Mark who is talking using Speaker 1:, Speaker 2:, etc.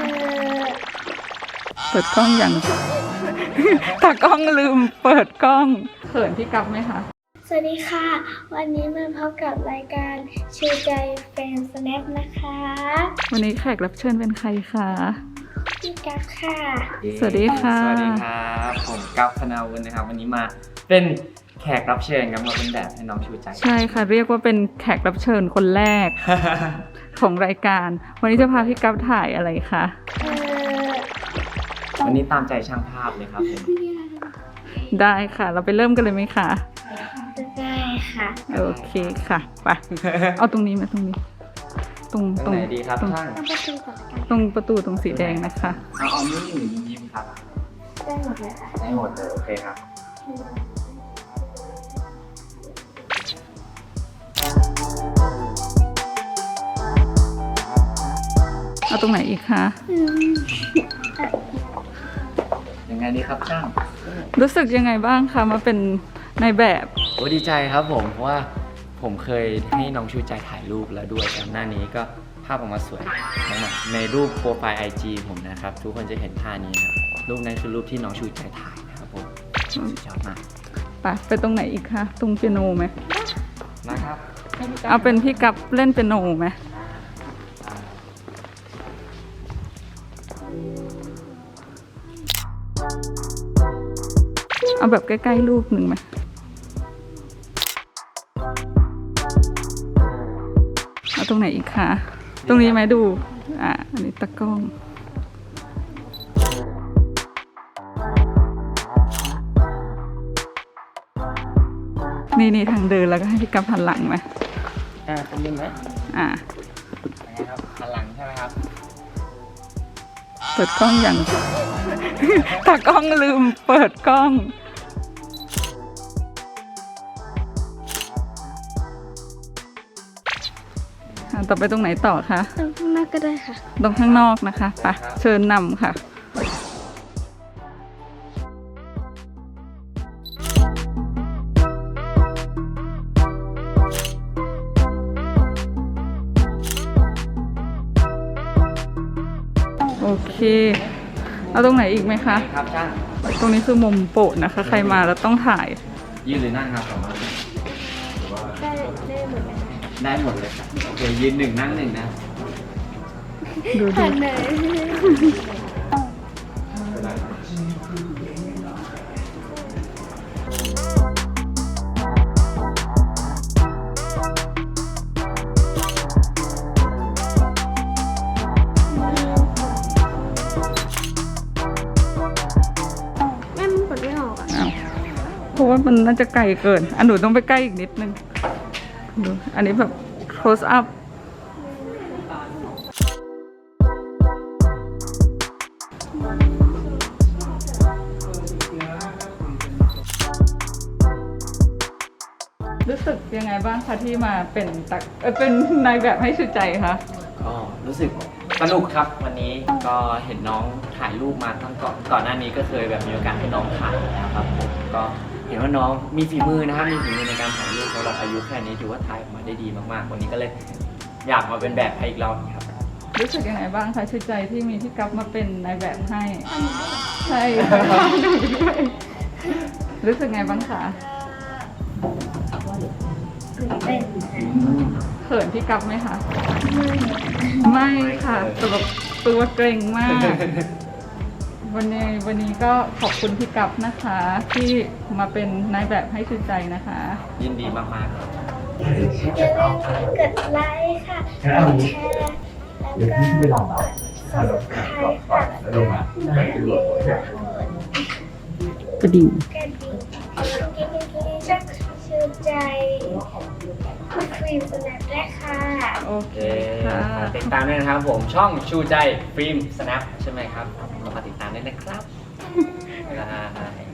Speaker 1: เปิดกล้องอย่าง ตากล้องลืมเปิดกล้องเขินพี่กั๊บไหมคะ
Speaker 2: สวัสดีค่ะ วันนี้มาพบกับรายการชูใจเฟรนด์สแนปนะคะ
Speaker 1: วันนี้แขกรับเชิญเป็นใครคะ
Speaker 2: พี่กั๊บค่ะ
Speaker 1: สวัสดีค่ะ
Speaker 3: สวัสดีครับผมกั๊บธนาวุฒินะครับวันนี้มาเป็นแขกรับเชิญครับมาเป็นแบบให้น้องชูใจ
Speaker 1: ใช่ค่ะเรียกว่าเป็นแขกรับเชิญคนแรก ของรายการวันนี้จะพาพี่กั๊บถ่ายอะไรคะ
Speaker 3: วันนี้ตามใจช่างภาพเลยครับผม
Speaker 1: ได้ค่ะเราไปเริ่มกันเลยไหมคะ
Speaker 2: ได้ค่ะ
Speaker 1: โอเคค่ะไปเอาตรงนี้มาตรงนี้ตรง
Speaker 3: ไหนดีครับช่าง
Speaker 1: ตรงประตูตรงสีแดงนะคะ
Speaker 3: เอามือหนึ่งยิ้มครับ
Speaker 2: ได้หมดเลยค่ะ
Speaker 3: ได้หมดเลยโอเคครับ
Speaker 1: เอาตรงไหนอีกคะ
Speaker 3: ยังไงดีครับช่าง
Speaker 1: รู้สึกยังไงบ้างคะมาเป็นในแบบ
Speaker 3: โอ้ดีใจครับผมเพราะว่าผมเคยให้น้องชูใจถ่ายรูปแล้วด้วยก่อนหน้านี้ก็ภาพออกมาสวยมากๆในรูปโปรไฟล์ IG ผมนะครับทุกคนจะเห็นท่านี้นะรูปนั้นคือรูปที่น้องชูใจถ่ายนะครับผมสุดยอดมาก
Speaker 1: ไปตรงไหนอีกคะตรงเปียโนไหม
Speaker 3: นะครับ
Speaker 1: เอาเป็นพี่กั๊บเล่นเปียโนไหมเอาแบบใกล้ๆรูปหนึ่งไหมเอาตรงไหนอีกคะตรงนี้ไหมดูอันนี้ตะกล้องนี่ทางเดินแล้วก็ให้พี่กั๊บหันหลังไหม
Speaker 3: ตรงนี้ไหมครับหันหลังใช่ไหมครับ
Speaker 1: เปิดกล้องอย่าง ตากล้องลืมเปิดกล้องต่อไปตรงไหนต่อคะ
Speaker 2: ตรงข้างหน้าก็ได้ค่ะ
Speaker 1: ตรงข้างนอกนะคะไปเชิญนำค่ะโอเคเอาตรงไหนอีกไหมคะ
Speaker 3: ครับช่าง
Speaker 1: ตรงนี้คือมุมโปรดนะคะใครมาแล้วต้องถ่าย
Speaker 3: ยืนหรือนั่งครับผม
Speaker 2: ได้หมดเลย
Speaker 3: ได้หมดเลยครับโอเคยืนหนึ่งนั่งหนึ่งนะ
Speaker 1: ดูเพราะว่ามันน่าจะไกลเกินหนูต้องไปใกล้อีกนิดนึงดูอันนี้แบบ close up รู้สึกยังไงบ้างคะที่มาเป็นนายแบบให้ชูใจคะ
Speaker 3: ก็รู้สึกสนุกครับวันนี้ก็เห็นน้องถ่ายรูปมาตั้งก่อนหน้านี้ก็เคยแบบมีโอกาสให้น้องถ่ายแล้วครับผมก็เห็นว่าน้องมีฝีมือนะครับมีฝีมือในการถ่ายรูปสำหรับอายุแค่นี้ถือว่าถ่ายออกมาได้ดีมากๆวันนี้ก็เลยอยากมาเป็นแบบให้อีกรอบครับ
Speaker 1: รู้สึกยังไงบ้างคะชูใจที่มีพี่กั๊บมาเป็นนายแบบให้ใช่รู้สึกไงบ้างคะเขินพี่กั๊บไหมคะไม่ค่ะตัวเกรงมากวันนี้ก็ขอบคุณพี่กั๊บนะคะที่มาเป็นนายแบบให้ชูใจนะคะ
Speaker 3: ยินดีมากๆครับ
Speaker 2: อย่าลืมกดไลค์ค่ะกดแชร์แล้วก็กด Subscribe ค่ะ
Speaker 1: กระดิ่ง
Speaker 2: ช่องชูใจครีมสแนปได้ค่ะ
Speaker 1: โอเคค่ะ
Speaker 3: ติดตามด้วยนะครับผมช่องชูใจฟิล์มสแนปใช่ไหมครับเรามาติดตามได้นะครับ